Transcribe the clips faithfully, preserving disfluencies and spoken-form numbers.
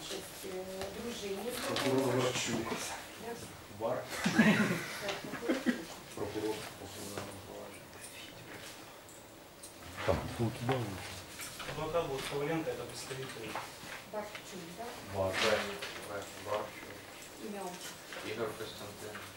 участь е, дружині. Прокурор Варчук. Вар. Прокурор по кримінальному провадженню. Так, тут да. Адвокат вот Коваленко, это представитель. Варчук, так? Вар. Варчук. Ім'я отчество. Ігор Костянтинович.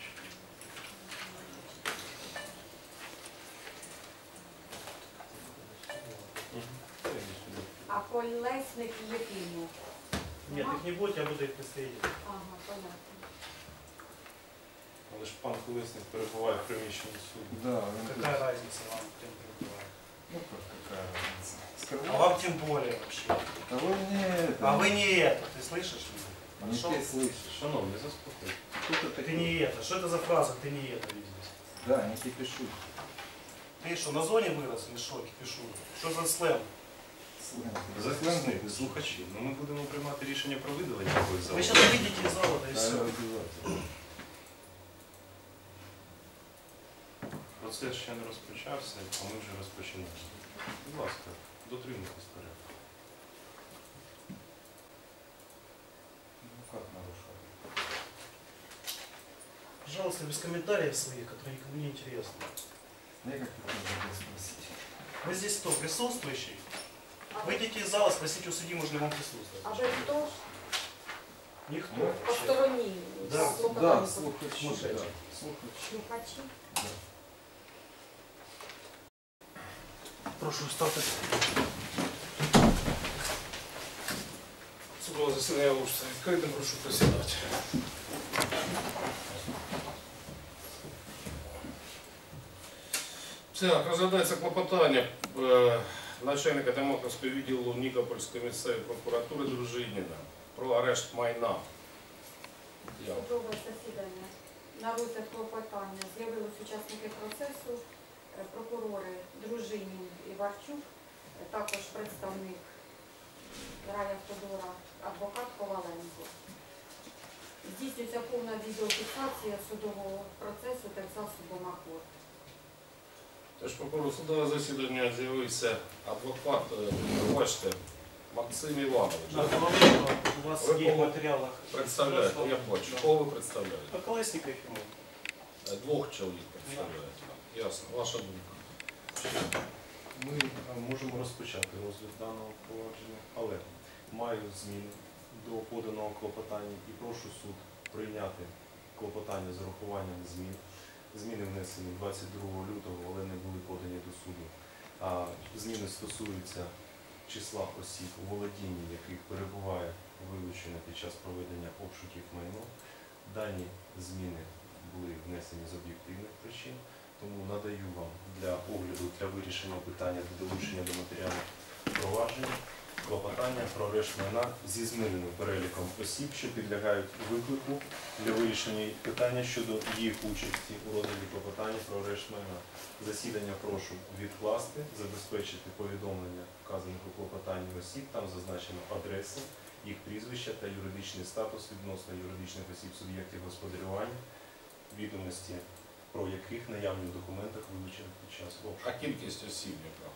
А Колесник Єфімов? Нет, их не будет, я буду их представитель. Ага, понятно. Але ж пан Колесник перебуває в приміщенні суду. Да, он тут. Какая разница вам, кем перебывает? Ну как, какая разница? А Скрывай. вам тем более вообще. А вы не это. А вы не это, ты слышишь меня? Не Хорошо? ты слышишь. Шановні, заспокойтесь. Кто ты Ты такой? не это. Что это за фраза? Ты не это видишь. Да, не кипишу. Ты что, на зоне вырос или что, кипишу? Что за сленг? Захисник, слухачі, ну ми будемо приймати рішення про видалення якоїсь Вы зали. сейчас выйдете из зала, да и Да, все. обязательно. Процес ще не розпочався, а ми вже розпочинаємо. Будь ласка, дотримуйтесь порядку. Ну как нарушал? Пожалуйста, без комментариев своих, которые никому не интересны. Я как хотел забыл спросить. Вы здесь кто, присутствующий? Выйдите из зала, спросите у судьи, можно ли вам присутствовать. А ви хто? Никто. Ну, вообще. Посторонні? Да. Да, Слухачі. слухачи. Слухачи. Да, слухачи. Слухачі. Да. Прошу встати. Судове засідання оголошується відкритим, прошу присідати. Так, розглядається клопотання е, начальника Демократського відділу Нікопольської місцевої прокуратури Дружиніна про арешт майна. Я. Судове засідання. На розгляд клопотання з'явились учасники процесу, е, прокурори Дружинін і Варчук, е, також представник райавтодора, адвокат Коваленко. Здійснюється повна відеофіксація судового процесу та засобом АКОР. Тож прокурор судове засідання з'явився адвокат, е, бачите, Максим Іванович. На Коваленко у вас Ви є в кого матеріалах. Представляєте, я бачу. Кого ви представляєте? А Колесник Ефимов. Е, Двох чоловік представляєте. Ясно, ваша думка. Ми е, можемо розпочати розгляд даного провадження, але маю зміни до поданого клопотання і прошу суд прийняти клопотання з урахуванням змін. Зміни внесені двадцять другого лютого, але не були подані до суду. А зміни стосуються числа осіб, у володінні яких перебуває вилучено під час проведення обшуків майно. Дані зміни були внесені з об'єктивних причин, тому надаю вам для огляду, для вирішення питання до долучення до матеріалів провадження клопотання про арешт майна зі зміненим переліком осіб, що підлягають виклику для вирішення питання щодо їх участі у розгляді клопотання про арешт майна. Засідання прошу відкласти, забезпечити повідомлення вказаних у клопотанні осіб, там зазначено адреси, їх прізвища та юридичний статус відносно юридичних осіб суб'єктів господарювання, відомості про яких наявні в документах вилучених під час А обшуку. кількість осіб яка?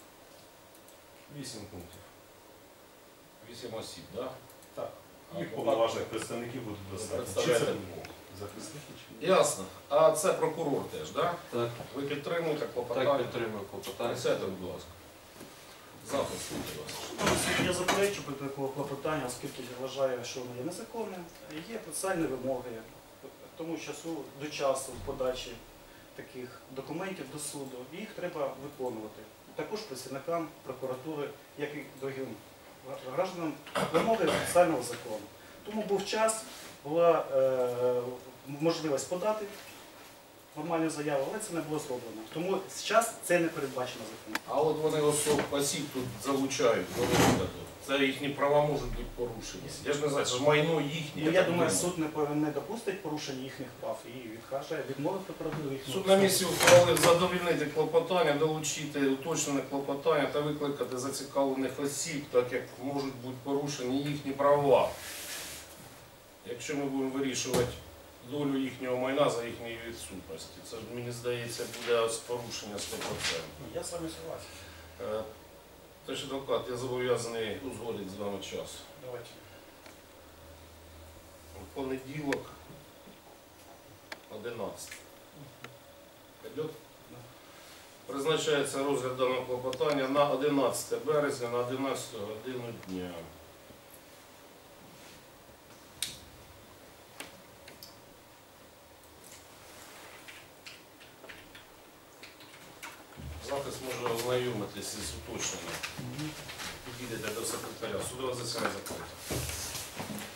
Вісім пунктів. Вісім осіб, так? Так. А Їх адвокат- повноважних представників буде достатньо. Чи Представляєте це двох. захисники, чи Ясно. А це прокурор теж, так? Так, Ви підтримуєте так клопотання? підтримую клопотання. Присядьте, будь ласка. Запис, будь ласка. Я заперечу проти такого клопотання, оскільки я вважаю, що воно є незаконним. Є процесуальні вимоги, тому часу до часу подачі таких документів до суду, і їх треба виконувати. Також працівникам прокуратури, як і другим гражданам, вимоги процесуального закону. Тому був час, була е, можливість подати нормальну заяву, але це не було зроблено. Тому зараз це не передбачено законом. А от вони особ, осіб тут залучають до розгляду. Це їхні права можуть бути порушені. Я ж не знаю, це ж майно їхнє. Ну, я так думаю, суд не повинен не допустить порушення їхніх прав і відкаже, відмовить прокуратуру їхнього. Суд на місці ухвалив задовольнити клопотання, долучити уточнене клопотання та викликати зацікавлених осіб, так як можуть бути порушені їхні права. Якщо ми будемо вирішувати долю їхнього майна за їхньої відсутності, це, мені здається, буде з порушення сто відсотків. Я з вами согласен. Тож, адвокат, я зобов'язаний узгодити з вами час. Давайте. понеділок одинадцяте. Пойдет? Призначається розгляд даного клопотання на одинадцяте березня на одинадцяту годину дня. Захист може ознайомитися з уточненням. Підійдете до секретаря. Судове засідання закрите.